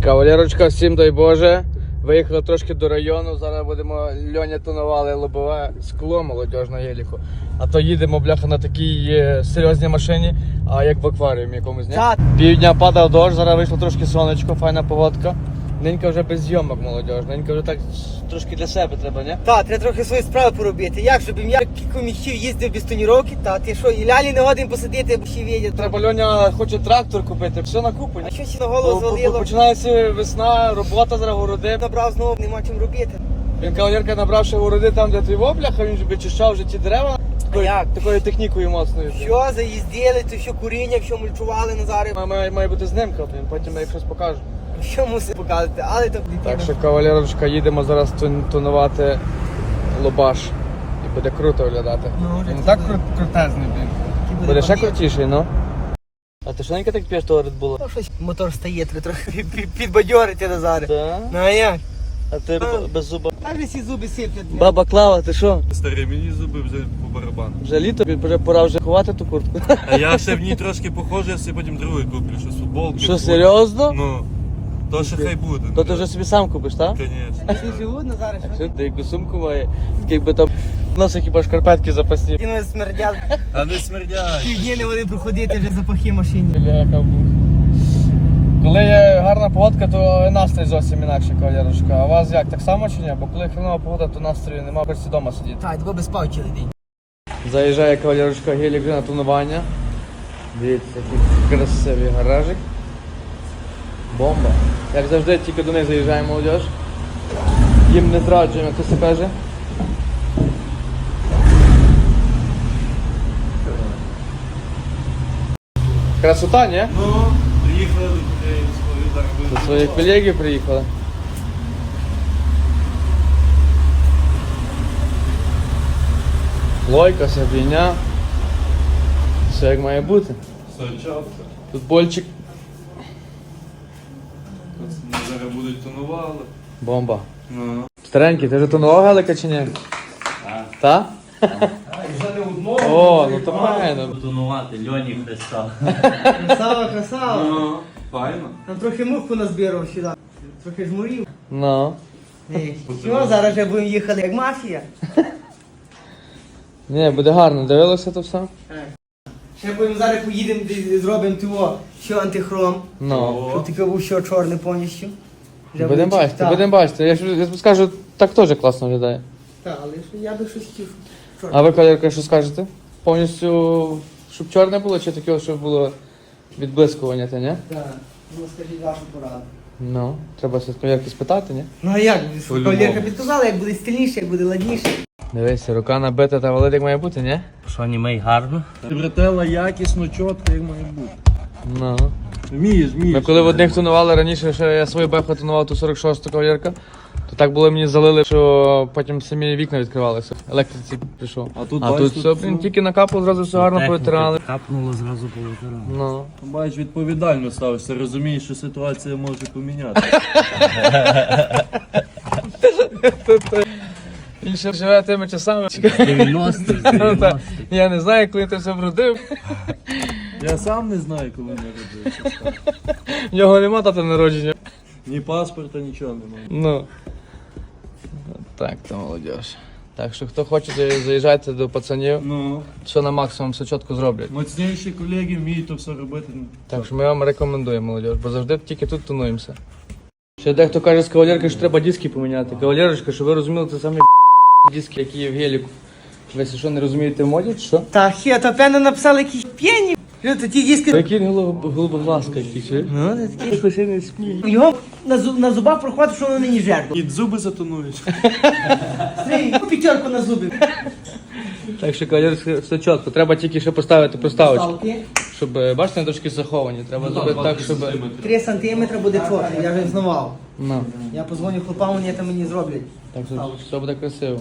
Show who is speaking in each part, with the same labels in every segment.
Speaker 1: Кавалерочка, всім дай Боже. Виїхали трошки до району, зараз будемо, Льоня тонували лобове скло молодіж на Єліку. А то їдемо, бляха, на такій серйозній машині, а як в акваріумі якомусь, ні? Півдня падав дощ, зараз вийшло трошки сонечко, файна погодка. Ненька вже без зйомок молодіж, ненька вже так трошки для себе треба, ні?
Speaker 2: Так, треба трохи свої справи поробити. Як, щоб я кілька місяців їздив без тоніровки, та ти що, і лялі не годин посидіти, бо ще відять.
Speaker 1: Треба, Льоня хоче трактор купити, все на купу.
Speaker 2: А що ще на голову звалило?
Speaker 1: Починається весна, робота зараз городи.
Speaker 2: Набрав знову, нема чим робити.
Speaker 1: Він кавалерка набрав ще городи там, де твій бляха, він же вичищав вже ті дерева.
Speaker 2: Як?
Speaker 1: Такою технікою моцною.
Speaker 2: Що, заїздили, то що куріння, що мульчували Назари.
Speaker 1: Має бути знимка, потім я їх щось покажу.
Speaker 2: Що мусить показати, але то дитина.
Speaker 1: Так що, кавалерочка, їдемо зараз тонувати лобаш. І буде круто виглядати.
Speaker 2: Ну, вже
Speaker 1: Він
Speaker 2: це
Speaker 1: так
Speaker 2: буде.
Speaker 1: крутезний, блін. Буде ще крутіший, ну. А ти швиденько так п'єш того Red Bull?
Speaker 2: Ну, щось мотор стає, треба трохи підбадьорити Назари.
Speaker 1: Так?
Speaker 2: Ну, а як?
Speaker 1: А ти без зуба.
Speaker 2: Так же всі зуби сиплять.
Speaker 1: Баба Клава, ти що?
Speaker 3: Старі, мені зуби вже по барабану.
Speaker 1: Вже літо, вже пора вже ховати ту куртку.
Speaker 3: А я ще в ній трошки похожий, я собі потім другий куплю, щось футболки.
Speaker 1: Що, серйозно?
Speaker 3: Ну, то ще хай буде.
Speaker 1: То ти вже собі сам купиш, так?
Speaker 3: Звісно.
Speaker 2: Всі живуть Назари, що?
Speaker 1: Що ти яку сумку має? Такий би там носи хіба шкарпетки запасні.
Speaker 2: Кіно смердять.
Speaker 3: А не смердяй.
Speaker 2: Півдні не вони проходити, вже запахи машині.
Speaker 1: Бляха, коли є гарна погодка, то настрій зовсім інакше, кавалерочка. А у вас як, так само чи ні? Бо коли хренова погода, то настрою немає, хочеться вдома сидіти.
Speaker 2: Так, тебе без спав цілий день.
Speaker 1: Заїжджає кавалерочка Гелік на тонування. Дивіться, який красивий гаражик. Бомба. Як завжди, тільки до них заїжджає молодіж. Їм не зраджуємо, як то се каже. Красота, ні?
Speaker 3: Ну, приїхали до людей свої зараз
Speaker 1: До
Speaker 3: будуть.
Speaker 1: своїх колегів приїхали. Лойка, сабіня. Все як має бути.
Speaker 3: Сочався.
Speaker 1: Футбольчик.
Speaker 3: Пацани зараз будуть тонували.
Speaker 1: Бомба.
Speaker 3: Ну.
Speaker 1: Старенький, ти вже тонував Гелика чи ні? Так.
Speaker 2: Вже не одного.
Speaker 1: О, ну то файно.
Speaker 4: Тонувати Льоні Христа.
Speaker 2: Красава, красава.
Speaker 3: Ну, файно.
Speaker 2: Там трохи муху назбирав сюди. Трохи жмурів.
Speaker 1: Ну.
Speaker 2: Що, зараз вже будемо їхати як мафія.
Speaker 1: Ні, буде гарно, дивилося то все?
Speaker 2: Ще будемо зараз поїдемо, зробимо того, що антихром.
Speaker 1: Ну.
Speaker 2: Щоб таке був що чорне повністю. Вже
Speaker 1: Будемо
Speaker 2: буде
Speaker 1: бачити,
Speaker 2: так.
Speaker 1: будемо бачити. Я тобі скажу, так теж класно виглядає.
Speaker 2: Так, але що я би щось хотів.
Speaker 1: А ви, кавалерка, що скажете? Повністю, щоб чорне було, чи таке, щоб було відблискування, та ні?
Speaker 2: Так, ну скажіть вашу пораду.
Speaker 1: Ну, треба все кавалерки спитати, ні?
Speaker 2: Ну а як?
Speaker 3: По-любому.
Speaker 2: Кавалерка підказала, як буде стильніше, як буде ладніше.
Speaker 1: Дивися, рука набита та валить як має бути, ні?
Speaker 4: Що німей гарно?
Speaker 3: Бретела якісно, чітко, як має бути.
Speaker 1: Ну.
Speaker 3: Вмієш.
Speaker 1: Ми коли в одних тонували раніше, ще я свою беху тонував ту 46-ту кавалерка, то так було мені залили, що потім самі вікна відкривалися. Електриці прийшов.
Speaker 3: А тут,
Speaker 1: А
Speaker 3: бачиш,
Speaker 1: тут все, блін, тільки накапало, зразу все гарно повитирали.
Speaker 4: Капнуло зразу повитирали.
Speaker 1: Ну.
Speaker 3: Бачиш, відповідально ставишся, розумієш, що ситуація може поміняти.
Speaker 1: Він ще живе тими часами.
Speaker 4: 90-х.
Speaker 1: Я не знаю, коли ти все вродив.
Speaker 3: Я сам не знаю, коли народився.
Speaker 1: В нього нема дати народження.
Speaker 3: Ні паспорта, нічого немає.
Speaker 1: Ну. Так, то молодіж. Так що хто хоче, заїжджайте до пацанів.
Speaker 3: Ну,
Speaker 1: Все на максимум, все чітко зроблять.
Speaker 3: моцніші колеги вміють то все робити.
Speaker 1: Так що ми вам рекомендуємо, молодіж, бо завжди тільки тут тонуємося. Ще дехто каже з кавалерки, що треба диски поміняти. Кавалерочка, щоб ви розуміли, це самі диски, які є в Геліку. Ви що, не розумієте в моді, чи що?
Speaker 2: Та хе, то певно написали якісь п'яні. Що то ті диски.
Speaker 1: Який голубоглазка якийсь, чи?
Speaker 2: Ну, це такі.
Speaker 1: Хтось не сміє.
Speaker 2: Його на зубах проходить, що воно нині жертва.
Speaker 3: І зуби затонуєш.
Speaker 2: П'ятерку на зуби.
Speaker 1: Так що кавалерочка, все чітко. Треба тільки ще поставити проставочку.
Speaker 2: Ставки.
Speaker 1: Щоб, бачите, вони трошки заховані. Треба зробити так, щоб...
Speaker 2: 3 сантиметри буде чорний, я вже знавав.
Speaker 1: Ну,
Speaker 2: Я позвоню хлопам, вони там мені зроблять.
Speaker 1: так що все буде красиво.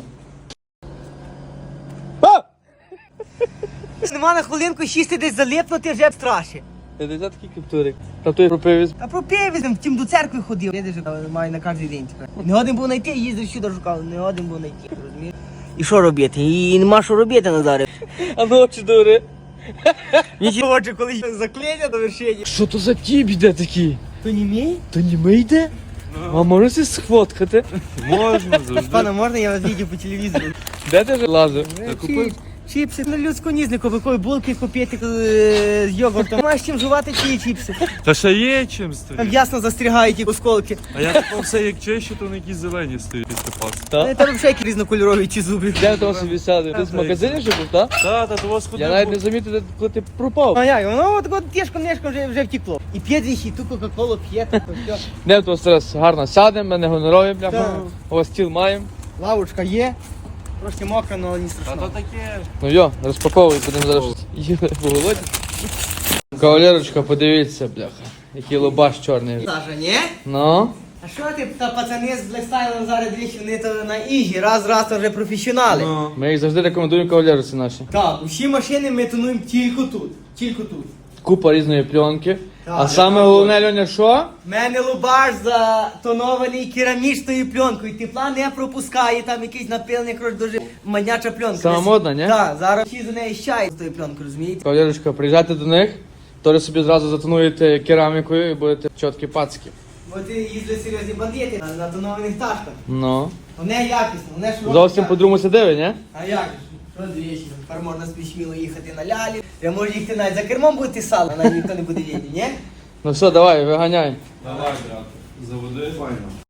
Speaker 2: Нема на хвилинку сісти десь залипнути, вже страшно.
Speaker 1: Це такий каптурик. Та той пропивіз.
Speaker 2: А про півізм, втім до церкви ходив. Видиш, маю на кожен день тепер. Не годин був знайти, їздив сюди шукав, не годин був знайти, розумієш? І що робити? І нема що робити, Назаре.
Speaker 1: А ну очі дури.
Speaker 2: Нічого, очі, коли заклеєння до вершині.
Speaker 1: Що то за тіп йде такий?
Speaker 2: То не мій?
Speaker 1: То не ми йде? А можете сфоткати?
Speaker 3: Можна завжди.
Speaker 2: Пане, можна я вас відео по телевізору?
Speaker 1: Де ти ж лазив?
Speaker 2: Чіпси, ну людську нізнику, якої булки купити з йогуртом. Маєш чим жувати ті чіпси.
Speaker 3: Та ще є чим
Speaker 2: Там
Speaker 3: стоїть.
Speaker 2: ясно застрягають ті осколки.
Speaker 3: А я тепер все як чище, то на якісь зелені стоїть після пасти.
Speaker 1: Та?
Speaker 2: Там взагалі які різнокольорові ті зуби.
Speaker 1: Де ви там собі сяли? Ти з магазині ще був, так?
Speaker 3: Та у вас
Speaker 1: Я навіть не замітив, коли ти пропав.
Speaker 2: А як, воно от тішком-нешком вже втекло. І п'є двічі, ту кока-колу п'є, то все.
Speaker 1: Де тут зараз гарно сядемо, ми не гонорові, бляха.
Speaker 2: Так.
Speaker 1: У вас стіл маємо.
Speaker 2: Лавочка є, трошки мокра, але не
Speaker 3: Та
Speaker 2: страшно.
Speaker 3: то таке.
Speaker 1: Ну йо, розпаковуй, будемо зараз їли по голоді. Кавалерочка, подивіться, бляха. Який лобаш чорний.
Speaker 2: Саша, ні?
Speaker 1: Ну?
Speaker 2: А що ти, та пацани з блекстайлом зараз двічі, вони то на іжі, раз то вже професіонали.
Speaker 1: Ми їх завжди рекомендуємо кавалерці наші.
Speaker 2: Так, усі машини ми тонуємо тільки тут, тільки тут.
Speaker 1: Купа різної пленки.
Speaker 2: Так.
Speaker 1: А саме головне, Льоня, що?
Speaker 2: У мене лубаш затонований керамічною пленкою, тепла не пропускає, там якийсь напилений, коротше, дуже маняча пленка.
Speaker 1: Сама модна, ні?
Speaker 2: Так, зараз всі за неї щають з тою пленкою, розумієте?
Speaker 1: Кавалерочка, приїжджайте до них, то собі зразу затонуєте керамікою і будете чіткі пацки.
Speaker 2: Бо ти їздили серйозні бандити на тонованих тачках.
Speaker 1: Ну.
Speaker 2: Вони якісно, вони широкі.
Speaker 1: Зовсім
Speaker 2: так.
Speaker 1: по-другому сидили, ні?
Speaker 2: А як же? Що двічі? Тепер можна собі сміло їхати на лялі. Я можу їхати навіть за кермом будете сало, навіть ніхто не буде їти, ні?
Speaker 1: Ну все, давай, виганяй.
Speaker 3: Давай, брат, заводи. Файно.